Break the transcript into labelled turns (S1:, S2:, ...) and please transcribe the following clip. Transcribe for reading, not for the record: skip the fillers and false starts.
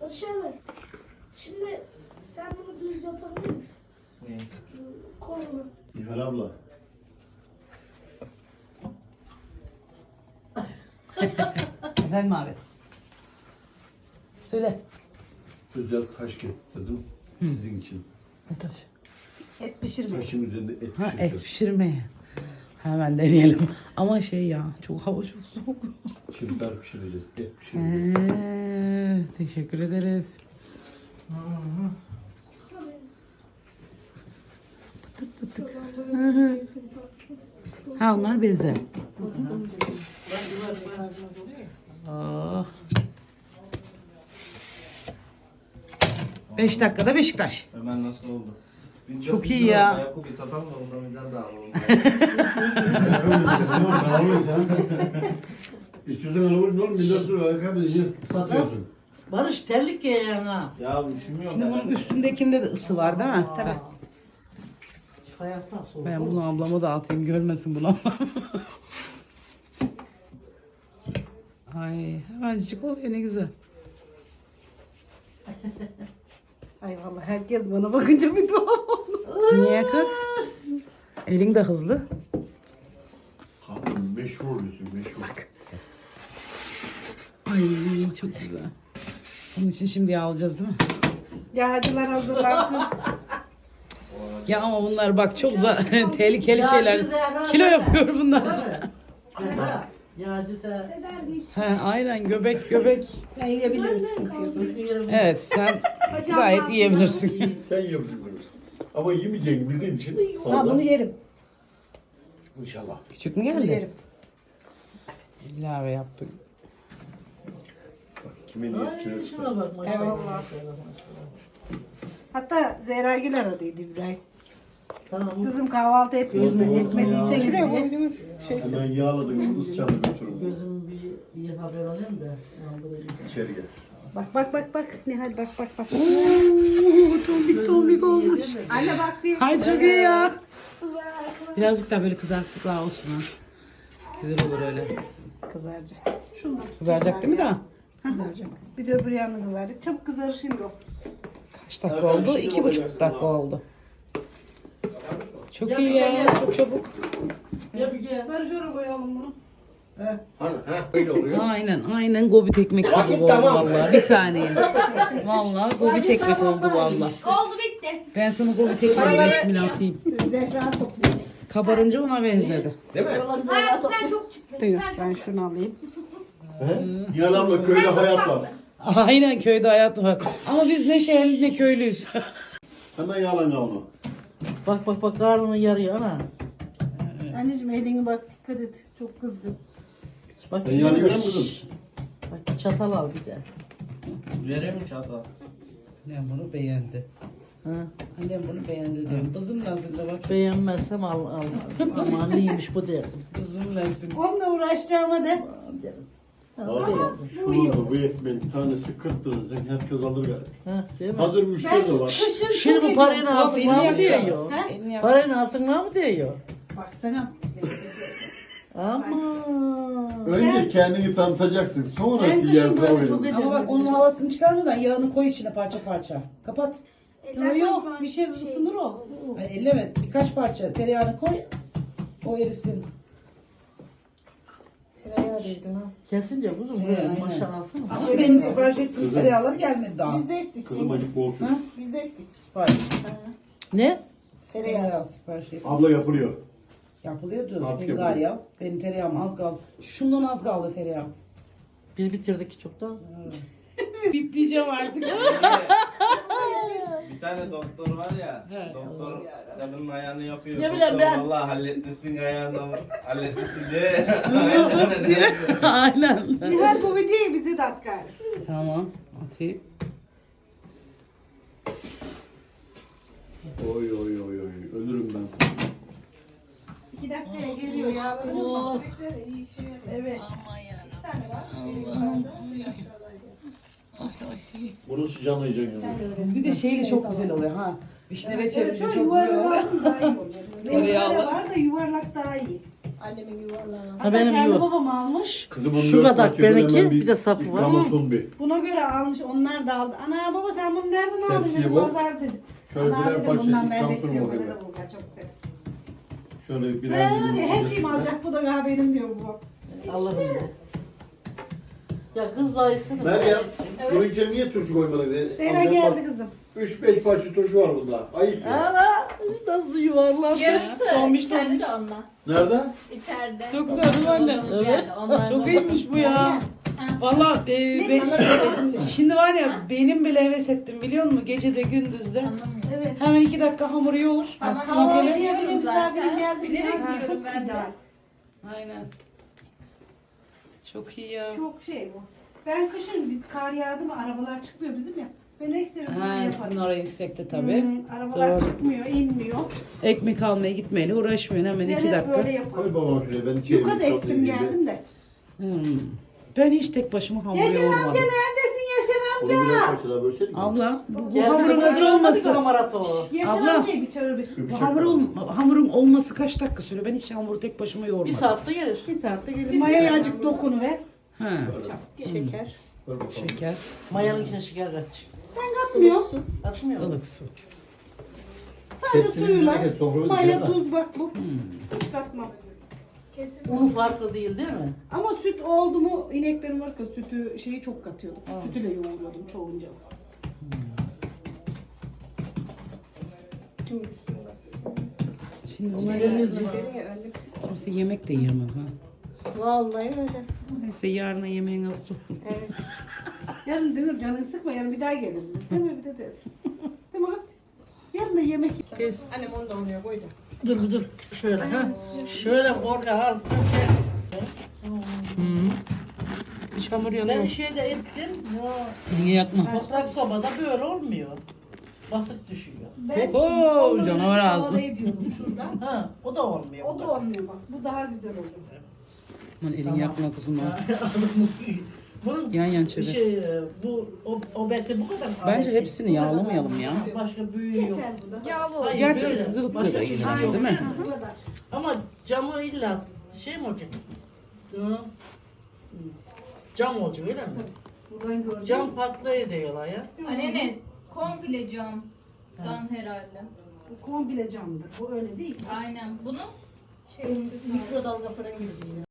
S1: Barış abi. Şimdi sen bunu düz yapabilir misin?
S2: Ne?
S1: Kolunu.
S3: Nihal abla.
S4: Efendim abi. Söyle.
S3: Özel taş getirdim sizin için.
S4: Ne taş? Et pişirme.
S3: Taşın üzerinde et
S4: Ha et
S3: pişireceğiz.
S4: pişirmeye. Hemen deneyelim. Ama şey ya çok hava çok soğuk.
S3: Çırpar pişireceğiz, et pişireceğiz.
S4: Teşekkür ederiz. Ha onlar beze. Oh. 5 dakikada Beşiktaş.
S2: Hemen nasıl oldu?
S4: Çok iyi ya.
S2: Yapıp bir satalım da ondan birden daha alalım.
S3: Ben alayım sen. İstiyorsan alıverin oğlum. Millet dur. Ayakkabı diye satıyorsun.
S5: Barış terlik giy yana.
S2: Ya üşümüyorum
S4: Şimdi bunun üstündekinde de ısı var değil mi?
S5: Tabii. Şu ayaklar soğuk.
S4: Ben bunu ablama da atayım görmesin bunu. Ay hemencik oluyor ne güzel.
S5: Ay vallahi herkes bana bakınca bir tuhaf oldu.
S4: Niye kız? Elin de hızlı.
S3: Kadın meşhur oluyorsun meşhur.
S4: Ay çok güzel. Onun için şimdi yağ alacağız değil mi?
S5: Yağcılar hazırlansın.
S4: Ya ama bunlar bak çok tehlikeli
S5: Yağcı
S4: şeyler.
S5: Zehra
S4: Kilo
S5: zaten.
S4: yapıyor bunlar.
S5: Zehra, Yağcı sen.
S1: Sezer değil.
S4: Ha, aynen göbek.
S5: Ben yiyebilirim sıkıntı yok.
S4: Evet sen gayet yiyebilirsin.
S3: Sen yiyorsun bunu. Ama yemeyeceğini bildiğim için.
S5: Ha
S3: fazla.
S5: bunu yerim.
S3: İnşallah.
S4: Küçük mü
S5: Bunu
S4: geldi?
S5: yerim.
S4: İlave yaptık.
S3: Bak, kimin
S5: Ay
S3: yetişiyor?
S5: şuna bak maşallah.
S6: Evet.
S5: Maşallah.
S6: Hatta Zehra Gül aradıydı İbrahim.
S5: Tamam.
S6: Kızım kahvaltı etmiyoruz mu?
S3: Olsun
S6: Etmediyseniz
S3: ya.
S6: diye.
S3: Hemen yağladım. Kız çaldı götürün.
S5: Gözüm bir iyi haber alayım da.
S3: İçeri gel.
S6: Bak. Nihal bak.
S5: Tombik olmuş.
S6: Anne bak bir.
S4: Ay çok iyi ya. Birazcık daha böyle kızarttık daha olsun ha. Güzel olur öyle.
S6: Kızaracak. Şunu da
S4: Kızaracak değil mi daha?
S6: kızaracak. Bir de öbür yanına kızaracak. Çabuk kızarır şimdi o.
S4: Kaç dakika oldu? 2,5 dakika oldu. Çok iyi ya. Çok çabuk.
S5: Ya bir gel.
S6: Barış oraya koyalım bunu.
S3: Hani öyle oluyor.
S4: Aynen gobit ekmek gibi
S3: Vakit
S4: oldu
S3: tamam.
S4: vallahi. Bir saniye. Vallahi gobit ekmek oldu vallahi.
S1: Oldu bitti.
S4: Ben sana gobit ekmeğin ismini atayım.
S6: Zehra topluyor.
S4: Kabarınca ona benzedi.
S3: Değil mi?
S1: Hayatım sen çok çıktın.
S6: Duyuyor.
S1: Sen
S6: Ben
S1: çok
S6: şunu alayım.
S3: He? Nihal abla köyde hayat var.
S4: Aynen köyde hayat var. Ama biz ne şehirli ne köylüyüz.
S3: Hemen yağlan onu.
S5: Bak karnını yarıyor ana.
S6: Anneciğim eline bak dikkat et. Çok kızgın.
S5: Bak
S3: Ben yani görüyor musun?
S5: Bak bir çatal al bir de.
S2: Vereyim mi çatal?
S4: Annem bunu beğendi.
S5: Ha.
S4: Annem bunu beğendi diyorum. Kızım nasıl da bak.
S5: Beğenmezsem al. Aman neymiş bu derdim.
S4: Kızım nasıl.
S6: Onunla uğraşacağıma de.
S5: Derim. Ha,
S3: Abi
S5: beğendim.
S3: şu orada bu ekmeğin tanesi 40 lira. Sen herkes alır galiba.
S5: Ha, değil mi?
S3: Hazır müşteri de var.
S6: Kışın
S5: Şimdi bu parayı
S4: Elini
S5: hasımla mı
S4: yakacağım.
S5: diyor?
S6: Ha?
S4: Elini yak.
S5: Parayı hasımla mı diyor?
S6: Baksana.
S5: Ama.
S3: Önce kendini tanıtacaksın. Sonra
S6: Ben kışın
S3: diğer
S6: böyle çok
S3: verin.
S6: ederim.
S4: Ama bak onun havasını çıkarmadan yağını koy içine parça parça. Kapat.
S6: Yok bir şey ısınır o.
S4: Yani elleme. Birkaç parça tereyağını koy. O erisin.
S6: Tereyağı değdin ha.
S5: Kesince kuzum
S4: Aynen.
S5: böyle maşa alsana.
S4: Ama benim sipariş ettiğim tereyağları gelmedi daha.
S6: Biz de ektik.
S3: Kızım acık olsun.
S4: Ha?
S6: Biz de ektik.
S4: Sipariş.
S5: Ne?
S4: Tereyağı sipariş ettim.
S3: Abla yapılıyor.
S4: Yapılıyordu.
S3: Artık
S4: Tengar
S3: yapılıyor.
S4: ya. Benim tereyağım az kaldı. Şundan az kaldı tereyağım.
S5: Biz bitirdik çoktan.
S4: Bipleyeceğim artık.
S2: Bir tane doktor var ya.
S4: He.
S2: Doktor kadının ayağını yapıyor.
S5: Ne bileyim ben.
S2: Vallahi halletmişsin ayağını. Halletmişsin diye. Aynen ne yapıyor?
S4: Aynen.
S6: Nihal bu videoyu bize de at gari.
S4: Tamam. Atayım.
S3: Oy. Ölürüm ben sana.
S6: 2 dakikaya geliyor ya.
S4: Oh.
S6: Evet.
S3: Bunu sıcamayacaksın.
S4: Bir de şeyli çok güzel oluyor ha. Vişne reçeli de
S6: Evet,
S4: çok
S6: şöyle
S4: güzel oluyor.
S6: yuvarlak daha iyi oluyor.
S4: Tereyağlı.
S6: Yuvarlak var da yuvarlak daha iyi.
S5: Annemin yuvarlağı.
S4: Ha benim
S6: kendi
S4: yok.
S6: babam almış.
S3: Kızım
S4: Şu
S3: 14
S4: kadar
S3: parça, hemen
S4: benimki, bir de sapı var.
S3: yıkamasın bir.
S6: Buna göre almış. Onlar da aldı. Ana baba sen bunu nereden aldın?
S3: Tepsiyi
S6: Dedi,
S3: bu.
S6: Pazar dedi.
S3: Şöyle
S6: Ana
S3: birer
S6: dedim
S3: parça
S6: bundan ben de
S3: yıkansın
S6: istiyorum.
S3: o
S6: Bana
S3: kadar.
S6: da bulgar çok dedi.
S3: Şöyle birer
S6: Her şeyimi alacak bu da ya benim diyor bu.
S4: Allah'ım ya. Ya kız daha istedi.
S3: Meryem, bunun içine niye turşu koymadın?
S6: Zehra geldi kızım.
S3: 3-5 parça turşu var bunda. Ayıp ya.
S4: Ana nasıl yuvarlandı.
S7: Yarısı
S4: Tombiş
S7: içeride
S4: tombiş.
S7: de onunla.
S3: Nerede?
S7: İçeride.
S4: Çok güzel değil mi anne?
S7: Dolabın
S4: Evet.
S7: yani, onlar
S4: Çok
S7: dolabın.
S4: iyiymiş bu ya. Valla şimdi var ya benim bile heves ettim biliyor musun? Gecede gündüzde.
S7: Anlamıyorum.
S6: Evet.
S4: Hemen 2 dakika hamuru yoğur.
S7: Ama
S4: Makine.
S7: hamur
S6: Makine.
S7: yiyorum
S6: Misafirim
S7: zaten.
S6: geldi.
S7: Bilerek
S6: Ha,
S7: yiyorum
S6: çok
S7: ben de.
S6: ideal.
S4: Aynen. Çok iyi ya.
S6: Çok şey bu. Ben kışın biz kar yağdı mı arabalar çıkmıyor bizim ya. Ben ekseri bunu
S4: Ha, sizin
S6: yaparım.
S4: oraya yüksekte tabii.
S6: Arabalar
S4: Doğru.
S6: çıkmıyor, inmiyor.
S4: Ekmek almaya gitmeyle uğraşmıyorsun hemen
S6: Ben
S4: 2
S6: hep
S4: dakika.
S6: böyle yapıyorum.
S3: Koy babam şuraya, ben içerim.
S6: Yuka da ektim geldim de.
S4: Ben hiç tek başıma hamur
S6: Yaşar amca
S4: yoğurmadım.
S6: neredesin Yaşar
S3: Onu
S6: amca?
S3: birer parçalar bölsene.
S4: Abla bu hamurun hazır olması.
S6: Yaşar
S4: Abla.
S6: amcayı bir çağır bir.
S4: Bu hamurun olması kaç dakika sürüyor? Ben hiç hamuru tek başıma yoğurmadım.
S5: 1 saatte gelir.
S6: Bir saatte gelir. Mayaya azıcık dokunu ver.
S4: Ha,
S5: Şeker.
S3: Ver bakalım.
S4: şeker,
S5: Mayanın içine şeker kaç.
S6: Ben katmıyorum.
S5: Atmıyor mu?
S4: ılık su.
S6: Sadece
S3: Hepsini
S6: suyla.
S3: birlikte sofraya
S6: Maya,
S3: dikelim
S6: tuz bak bu. Hiç katmam.
S5: Unu farklı değil değil mi?
S6: Ama süt oldu mu ineklerin var ki sütü şeyi çok katıyordum. Sütüyle yoğuruyordum çoğunca.
S4: Şimdi bunlar yenilince kimse yemek de yiyemez ha.
S5: Vallahi öyle.
S4: Neyse yarına yemeğin az olsun.
S5: Evet.
S6: Yarın diyor canını sıkma yarın bir daha geliriz biz. Değil mi bir de desin. Değil mi? Yarın da yemek
S5: Annem onu da oraya koydu.
S4: Dur. Şöyle ha.
S5: Şöyle orada al.
S4: Hiç hamur
S5: Ben
S4: yanıyor.
S5: şeyde ettim.
S4: Niye yakma?
S5: Toprak sobada böyle olmuyor. Basık düşüyor.
S6: Ben
S4: Oho,
S6: onları
S4: canavar
S6: havada
S4: ağzı.
S6: ediyordum şurada.
S5: Ha, o da olmuyor.
S6: O da olmuyor bak. Bu daha güzel oluyor.
S4: Aman elini
S5: Tamam.
S4: yakma kızım. ha.
S5: Bunun
S4: Yan
S5: bir
S4: çevir.
S5: şey o belki bu kadar.
S4: Bence hepsini yağlamayalım ya.
S5: Başka büyüğü yok.
S6: Yeter bu da.
S7: Yağlı olur.
S5: Hayır,
S4: Gerçi
S5: böyle.
S4: ısıtılıp
S5: Başka
S4: da
S5: çeşit
S4: yine
S5: yok.
S4: değil mi?
S6: Bu kadar.
S5: Ama camı illa şey mi olacak? Hı. Cam olacak öyle mi?
S6: Buradan gördüm.
S5: Cam patlayı diyorlar ya.
S7: Anne ne? Komple camdan herhalde.
S6: Bu komple camdır. Bu öyle değil.
S7: Aynen. Bunun şey
S5: Mikrodalga fırın gibi değil.